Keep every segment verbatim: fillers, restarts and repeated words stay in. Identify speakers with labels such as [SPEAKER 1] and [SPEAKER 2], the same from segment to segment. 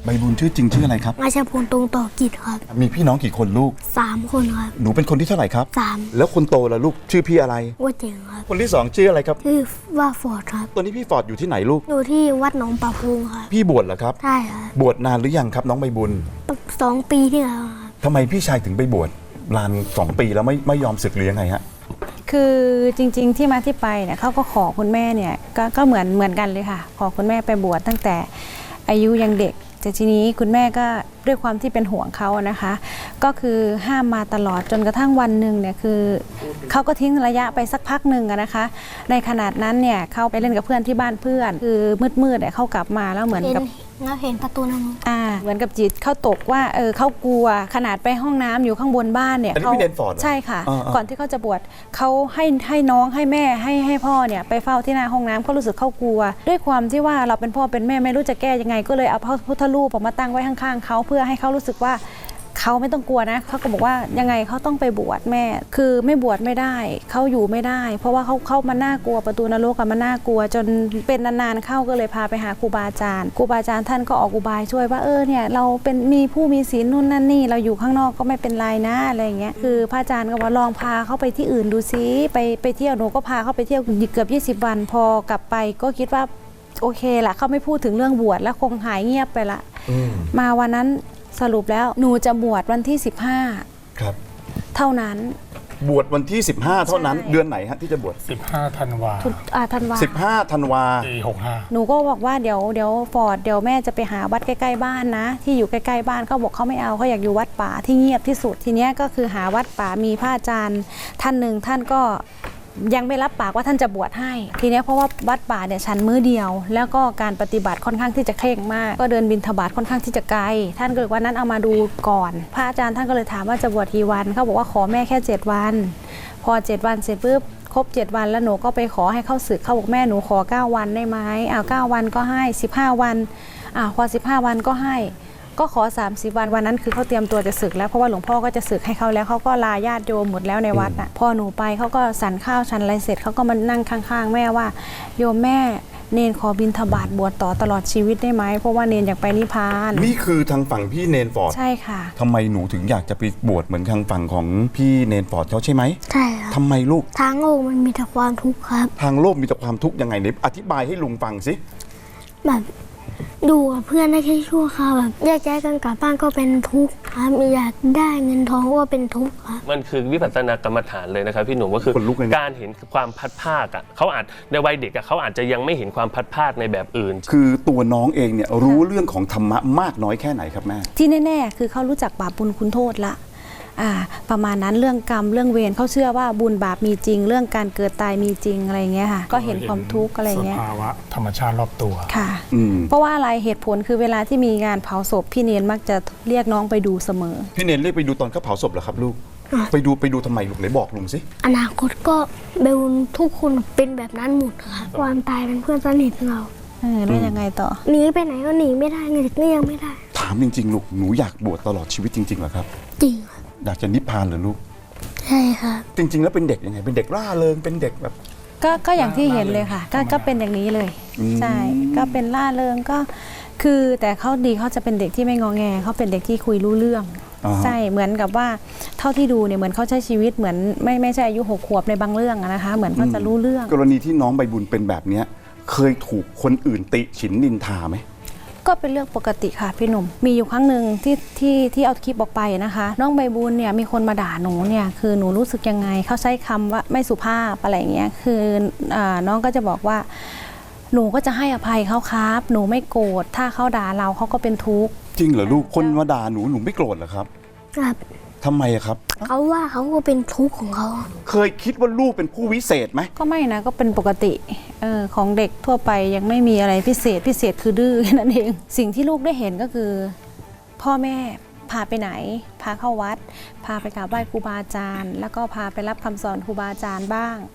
[SPEAKER 1] ใบบุญชื่อจริงชื่ออะไรครับ
[SPEAKER 2] ราชพลตรงต่อกิจครับ
[SPEAKER 1] มีพี่น้องกี่คนลูก
[SPEAKER 2] สามคนครับ
[SPEAKER 1] หนูเป็นคนที่เท่าไหร่ครับ
[SPEAKER 2] สาม
[SPEAKER 1] แล้วคนโตล่ะลูกชื่อพี่อะไร
[SPEAKER 2] ว่าเจ๋งครับ
[SPEAKER 1] คนที่สองชื่ออะไรครับ
[SPEAKER 2] ชื่อว่าฟอร์ดครับ
[SPEAKER 1] ตัวนี้พี่ฟอร์ดอยู่ที่ไหนลูก
[SPEAKER 2] อยู่ที่วัดหนองปะพุงครับ
[SPEAKER 1] พี่บวชเหรอครับ
[SPEAKER 2] ใช่ครับ
[SPEAKER 1] บวชนานหรือยังครับน้องใบบุญ
[SPEAKER 2] สองปีที่แล้วครับ
[SPEAKER 1] ทำไมพี่ชายถึงไปบวชนานสองปีแล้วไม่ไม่ยอมศึกหรือยังไงฮะ
[SPEAKER 3] คือจริงๆที่มาที่ไปเนี่ยเขาก็ขอคุณแม่เนี่ยกก็เหมือนเหมือนกันเลยค่ะขอคุณแม่ไปบวชตั้งแต่อายุยังเด็กแต่ทีนี้คุณแม่ก็ด้วยความที่เป็นห่วงเขานะคะ ก็คือห้ามมาตลอดจนกระทั่งวันหนึ่งเนี่ยคือเขาก็ทิ้งระยะไปสักพักหนึ่งนะคะ ในขนาดนั้นเนี่ยเขาไปเล่นกับเพื่อนที่บ้านเพื่อนคือมืดๆเนี่ยเขากลับมาแล้วเหมือนกับ
[SPEAKER 2] แล้วเห็นประตูนั่น
[SPEAKER 3] อ่าเหมือนกับจิตเขาตกว่าเออเขากลัวขนาดไปห้องน้ำอยู่ข้างบนบ้านเนี่ย
[SPEAKER 1] เขา
[SPEAKER 3] ใช่ค่ะก่อนที่เขาจะบวชเขาให้ให้น้องให้แม่ให้ให้พ่อเนี่ยไปเฝ้าที่หน้าห้องน้ำเขารู้สึกเขากลัวด้วยความที่ว่าเราเป็นพ่อเป็นแม่ไม่รู้จะแก้ยังไงก็เลยเอาพระพุทธรูปมาตั้งไว้ข้างๆเขาเพื่อให้เขารู้สึกว่าเขาไม่ต้องกลัวนะเขาก็บอกว่ายังไงเขาต้องไปบวชแม่คือไม่บวชไม่ได้เขาอยู่ไม่ได้เพราะว่าเขาเข้ามาน่ากลัวประตูนรกมันน่ากลัวจนเป็นนานๆเข้าก็เลยพาไปหาครูบาอาจารย์ครูบาอาจารย์ท่านก็ออกอุบายช่วยว่าเออเนี่ยเราเป็นมีผู้มีศีลนู่นนั่นนี่เราอยู่ข้างนอกก็ไม่เป็นไรนะอะไรอย่างเงี้ยคือพระอาจารย์ก็ว่าลองพาเขาไปที่อื่นดูซิไปไปเที่ยวหนูก็พาเขาไปเที่ยวเกือบยี่สิบวันพอกลับไปก็คิดว่าโอเคละเขาไม่พูดถึงเรื่องบวชแล้วคงหายเงียบไปละมาวันนั้นสรุปแล้วหนูจะบวชวันที่สิบห้า
[SPEAKER 1] ครับ
[SPEAKER 3] เท่านั้น
[SPEAKER 1] บวชวันที่สิบห้าเท่านั้นเดือนไหนฮะที่จะบวช
[SPEAKER 4] สิบห้าธันวา
[SPEAKER 3] อ่าธันวา
[SPEAKER 1] สิบห้าธันวา
[SPEAKER 4] ปีหกห้า
[SPEAKER 3] หนูก็บอกว่าเดี๋ยวเดี๋ยวฟอร์ดเดี๋ยวแม่จะไปหาวัดใกล้ๆบ้านนะที่อยู่ใกล้ๆบ้านเขาบอกเขาไม่เอาเขาอยากอยู่วัดป่าที่เงียบที่สุดทีเนี้ยก็คือหาวัดป่ามีพระอาจารย์ท่านหนึ่งท่านก็ยังไม่รับปากว่าท่านจะบวชให้ทีนี้เพราะว่าวัดป่าเนี่ยฉันมื้อเดียวแล้วก็การปฏิบัติค่อนข้างที่จะเคร่งมากก็เดินบิณฑบาตค่อนข้างที่จะไกลท่านก็เลยว่านั้นเอามาดูก่อนพระอาจารย์ท่านก็เลยถามว่าจะบวชกี่วันเขาบอกว่าขอแม่แค่เจ็ดวันพอเจ็ดวันเสร็จปุ๊บครบเจ็ดวันแล้วหนูก็ไปขอให้เข้าศึกเขาบอกแม่หนูขอเก้าวันได้ไหมอ้าวเก้าวันก็ให้สิบห้าวันอ้าวพอสิบห้าวันก็ให้ก็ขอสามสิบวันวันนั้นคือเขาเตรียมตัวจะศึกแล้วเพราะว่าหลวงพ่อก็จะศึกให้เขาแล้วเขาก็ลาญาติโยมหมดแล้วในวัดน่ะพอหนูไปเขาก็สันข้าวชันอะไรเสร็จเขาก็มานั่งข้างๆแม่ว่าโยมแม่เนนขอบิณฑบาตบวชต่อตลอดชีวิตได้ไหมเพราะว่าเนนอยากไปนิพพาน
[SPEAKER 1] นี่คือทางฝั่งพี่เนนฟอร์ด
[SPEAKER 3] ใช่ค่ะ
[SPEAKER 1] ทำไมหนูถึงอยากจะไปบวชเหมือนทางฝั่งของพี่เนนฟอร์ดเขาใช่ไหม
[SPEAKER 2] ใช่ครับ
[SPEAKER 1] ทำไมลูก
[SPEAKER 2] ทางโลกมันมีแต่ความทุกข์ครับ
[SPEAKER 1] ทางโลกมีแต่ความทุกข์ยังไงเนี่ยอธิบายให้ลุงฟังสิ
[SPEAKER 2] แบบดูกับเพื่อนได้แค่ชั่วคราวแบบแยกย้ายกันกลับบ้านก็เป็นทุกข์ครับอยากได้เงินทองก็เป็นทุกข์ครับ
[SPEAKER 5] มันคือวิปัสสนากรรมฐานเลยนะครับพี่หนุ่มก็คือการเห็นความพัดภาคอ่ะเขาอาจในวัยเด็กอ่ะเขาอาจจะยังไม่เห็นความพัดภาคในแบบอื่น
[SPEAKER 1] คือตัวน้องเองเนี่ยรู้เรื่องของธรรมะมากน้อยแค่ไหนครับแม่
[SPEAKER 3] ที่แน่ๆคือเขารู้จักบาปบุญคุณโทษละอ่าประมาณนั้นเรื่องกรรมเรื่องเวรเขาเชื่อว่าบุญบาปมีจริงเรื่องการเกิดตายมีจริงอะไรเงี้ยค่ะก็เห็นความทุกข์อะไรเงี้ย
[SPEAKER 4] สภาวะธรรมชาติรอบตัว
[SPEAKER 3] ค่ะเพราะว่าอะไรเหตุผลคือเวลาที่มีงานเผาศพพี่เนนมักจะเรียกน้องไปดูเสมอ
[SPEAKER 1] พี่เนนเรียกไปดูตอนเขาเผาศพเหรอครับลูกไปดูไปดูทำไมลูกไหนบอกลุงสิ
[SPEAKER 2] อนาคตก็เบลทุกคนเป็นแบบนั้นหมดค่ะความตายเป็นเพื่อนสนิทเรา
[SPEAKER 3] เออแล้วยังไงต่อ
[SPEAKER 2] หนีไปไหนก็หนีไม่ได้เงินก็ยังไม่ได้
[SPEAKER 1] ถามจริงๆลูกหนูอยากบวชตลอดชีวิตจริงๆเหรอครับ
[SPEAKER 2] จริง
[SPEAKER 1] อยากจะนิพพานเหรอลูก
[SPEAKER 2] ใช่ค่ะ
[SPEAKER 1] จริงๆแล้วเป็นเด็กยังไงเป็นเด็กร่าเริงเป็นเด็กแบบ
[SPEAKER 3] ก็ก็อย่างที่เห็นเลยค่ะก็ก็เป็นอย่างนี้เลยใช่ก็เป็นร่าเริงก็คือแต่เขาดีเขาจะเป็นเด็กที่ไม่งอแงเขาเป็นเด็กที่คุยรู้เรื่องใช่เหมือนกับว่าเท่าที่ดูเนี่ยเหมือนเขาใช้ชีวิตเหมือนไม่ไม่ใช่อายุหกขวบในบางเรื่องนะคะเหมือนเขาจะรู้เรื่อง
[SPEAKER 1] กรณีที่น้องใบบุญเป็นแบบนี้เคยถูกคนอื่นติฉินนินทาไหม
[SPEAKER 3] ก็เป็นเรื่องปกติค่ะพี่หนุ่มมีอยู่ครั้งหนึ่งที่ที่ที่เอาคลิปออกไปนะคะน้องใบบุญเนี่ยมีคนมาด่าหนูเนี่ยคือหนูรู้สึกยังไงเขาใช้คำว่าไม่สุภาพอะไรเงี้ยคืออ่าน้องก็จะบอกว่าหนูก็จะให้อภัยเขาครับหนูไม่โกรธถ้าเขาด่าเราเขาก็เป็นทุกข์
[SPEAKER 1] จริงเหรอลูกคนมาด่าหนูหนูไม่โกรธเหรอครับ
[SPEAKER 2] ครับ
[SPEAKER 1] ทำไมครับ
[SPEAKER 2] เขาว่าเขาก็เป็นทุกข์ของเขา
[SPEAKER 1] เคยคิดว่าลูกเป็นผู้วิเศษไหม
[SPEAKER 3] ก็ไม่นะก็เป็นปกติเออของเด็กทั่วไปยังไม่มีอะไรพิเศษพิเศษคือดื้อนั่นเองสิ่งที่ลูกได้เห็นก็คือพ่อแม่พาไปไหนพาเข้าวัดพาไปกราบไหว้ครูบาอาจารย์แล้วก็พาไปรับคำสอนครูบาอาจารย์บ้างไป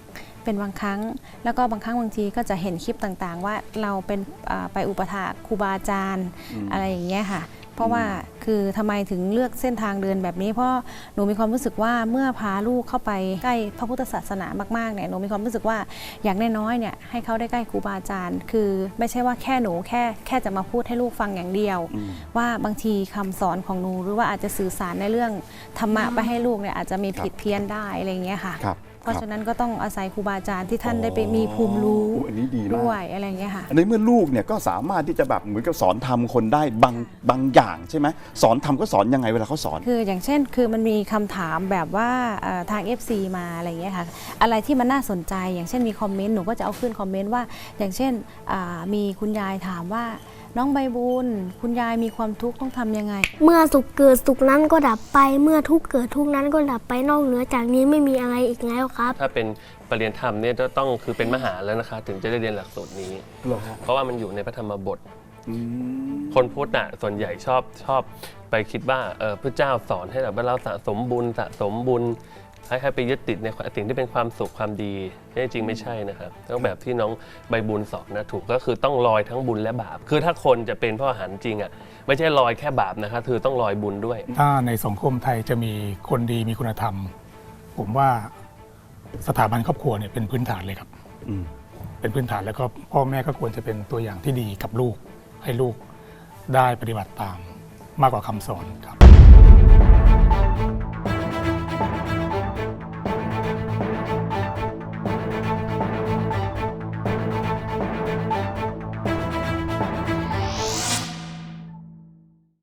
[SPEAKER 3] เป็นบางครั้ง แล้วก็บางครั้งบางทีก็จะเห็นคลิปต่างๆ ว่าเราเป็นอ่าไปอุปถากครูบาอาจารย์
[SPEAKER 1] อืม
[SPEAKER 3] อะไรอย่างเงี้ยค่ะ เพราะว่าคือทำไมถึงเลือกเส้นทางเดินแบบนี้เพราะหนูมีความรู้สึกว่าเมื่อพาลูกเข้าไปใกล้พระพุทธศาสนามากๆเนี่ยหนูมีความรู้สึกว่าอย่างน้อยๆเนี่ยให้เขาได้ใกล้ครูบาอาจารย์ คือไม่ใช่ว่าแค่หนูแค่แค่จะมาพูดให้ลูกฟังอย่างเดียว
[SPEAKER 1] อืม
[SPEAKER 3] ว่าบางทีคำสอนของหนูหรือว่าอาจจะสื่อสารในเรื่องธรรมะไปให้ลูกเนี่ยอาจจะมีผิดเพี้ยนได้อะไรอย่างเงี้ยค่ะ
[SPEAKER 1] ครับ
[SPEAKER 3] เพราะฉะนั้นก็ต้องอาศัยครูบาอาจารย์ที่ท่านได้ไปมีภูมิรู้
[SPEAKER 1] โอ้อันนี้ดีมาก
[SPEAKER 3] ด้วยอะไรอย่างเงี้ยค่ะ
[SPEAKER 1] ในเมื่อลูกเนี่ยก็สามารถที่จะแบบเหมือนกับสอนทำคนได้บางบางอย่างใช่ไหมสอนทำก็สอนยังไงเวลาเขาสอน
[SPEAKER 3] คืออย่างเช่นคือมันมีคำถามแบบว่าเอ่อทาง เอฟ ซี มาอะไรอย่างเงี้ยค่ะอะไรที่มันน่าสนใจอย่างเช่นมีคอมเมนต์หนูก็จะเอาขึ้นคอมเมนต์ว่าอย่างเช่นอ่ามีคุณยายถามว่าน้องใบบุญคุณยายมีความทุกข์ต้องทำยังไง
[SPEAKER 2] เมื่อสุขเกิดสุขนั้นก็ดับไปเมื่อทุกข์เกิดทุกข์นั้นก็ดับไปนอกเหนือจากนี้ไม่มีอะไรอีกแล้วครับ
[SPEAKER 5] ถ้าเป็นปรริญญาธรรมเนี่ยจะต้องคือเป็นมหาแล้วนะคะ ถึงจะได้เรียนหลักสูตรนี้
[SPEAKER 1] เหรอฮะ
[SPEAKER 5] เพราะว่ามันอยู่ในพระธรรมบท
[SPEAKER 1] อืม
[SPEAKER 5] คนพุทธน่ะส่วนใหญ่ชอบชอบไปคิดว่าเออพระเจ้าสอนให้แบบว่าเราสะสมบุญสะสมบุญให้ให้ไปยึดติดในสิ่งที่เป็นความสุขความดีที่จริงไม่ใช่นะครับต้องแบบที่น้องใบบุญสอนนะถูกก็คือต้องลอยทั้งบุญและบาป คือถ้าคนจะเป็นพระอรหันต์จริงอ่ะไม่ใช่ลอยแค่บาปนะครับคือต้องลอยบุญด้วย
[SPEAKER 4] ถ้าในสังคมไทยจะมีคนดีมีคุณธรรม ผมว่าสถาบันครอบครัวเนี่ยเป็นพื้นฐานเลยครับ
[SPEAKER 1] อืม
[SPEAKER 4] เป็นพื้นฐานแล้วก็พ่อแม่ก็ควรจะเป็นตัวอย่างที่ดีกับลูก ให้ลูกได้ปฏิบัติตามมากกว่าคำสอนครับ